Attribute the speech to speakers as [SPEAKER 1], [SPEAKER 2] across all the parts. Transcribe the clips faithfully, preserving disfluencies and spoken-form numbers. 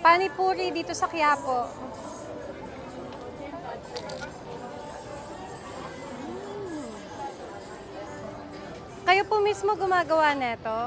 [SPEAKER 1] Panipuri dito sa Quiapo. Kayo po mismo gumagawa nito?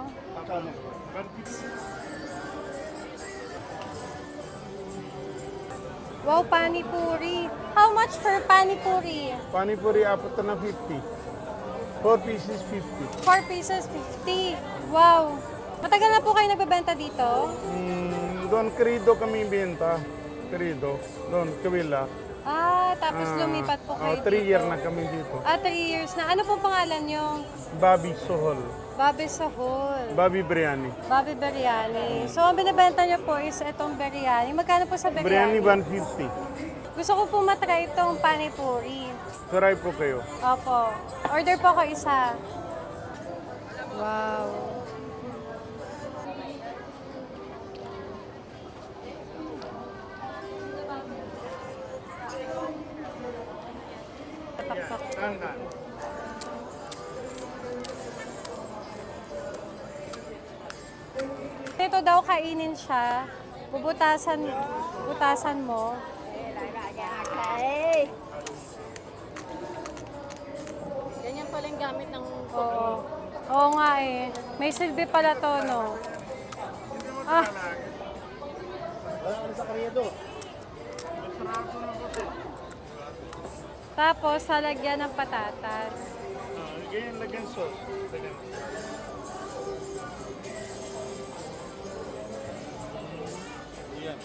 [SPEAKER 1] Wow, panipuri. How much for panipuri?
[SPEAKER 2] Panipuri apat na fifty. four pieces fifty.
[SPEAKER 1] four pieces, fifty. Wow. Matagal na po kayo nagbebenta dito?
[SPEAKER 2] Mm, doon Querido kami benta. Querido. Doon, Kawila.
[SPEAKER 1] Ah, tapos
[SPEAKER 2] Ah,
[SPEAKER 1] lumipat po kayo
[SPEAKER 2] oh, three
[SPEAKER 1] dito.
[SPEAKER 2] year na kami dito.
[SPEAKER 1] Ah, three years na. Ano pong pangalan nyo?
[SPEAKER 2] Bobby Sohol.
[SPEAKER 1] Bobby Sahol.
[SPEAKER 2] Bobby Biryani.
[SPEAKER 1] Bobby Biryani. So, ang binibenta nyo po is itong biryani. Magkano po sa
[SPEAKER 2] Biryani
[SPEAKER 1] biryani?
[SPEAKER 2] one fifty.
[SPEAKER 1] Gusto ko po matry itong panipuri.
[SPEAKER 2] Try po kayo.
[SPEAKER 1] Opo. Order po ko isa. Wow. Taktak. Ito daw kainin siya. Bubutasan, butasan mo.
[SPEAKER 3] Ganyan pala yung gamit ng
[SPEAKER 1] Oo. Oo nga eh. May silbi pala to, no? Ah. Tapos, halagyan ng patatas.
[SPEAKER 2] Lagyan, lagyan sauce. Lagyan. Yan.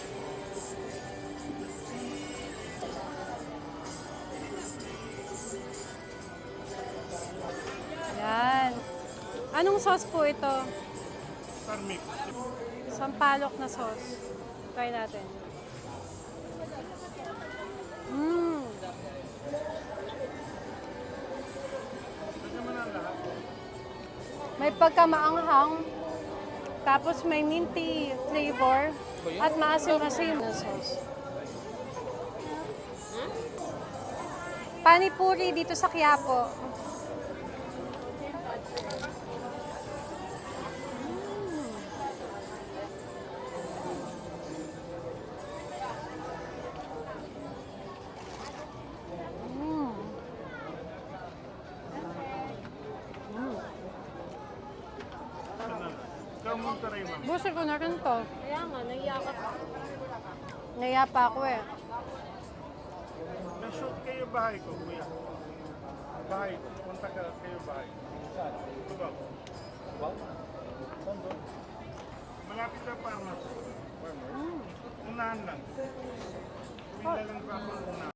[SPEAKER 1] Yan. Anong sauce po ito?
[SPEAKER 2] Tarmik.
[SPEAKER 1] Sampalok na sauce. Try natin. Mmm.
[SPEAKER 2] Lagyan mo na lahat.
[SPEAKER 1] May pagkamaanghang. Tapos may minty flavor. At maasim-asim na sauce. Panipuri dito sa Quiapo.
[SPEAKER 2] Ikaw mong taray, ma'am.
[SPEAKER 1] Gusto ko na rin to.
[SPEAKER 3] Kaya nga, naiyakap ako.
[SPEAKER 1] Naya pa ako eh.
[SPEAKER 2] Na-shoot kayo bahay ko, kuya. Bahay ko. Punta ka kayo bahay. Ito ba? Saan doon? Malapit na farmers. Unahan lang. Kuwila lang pa ako unahan.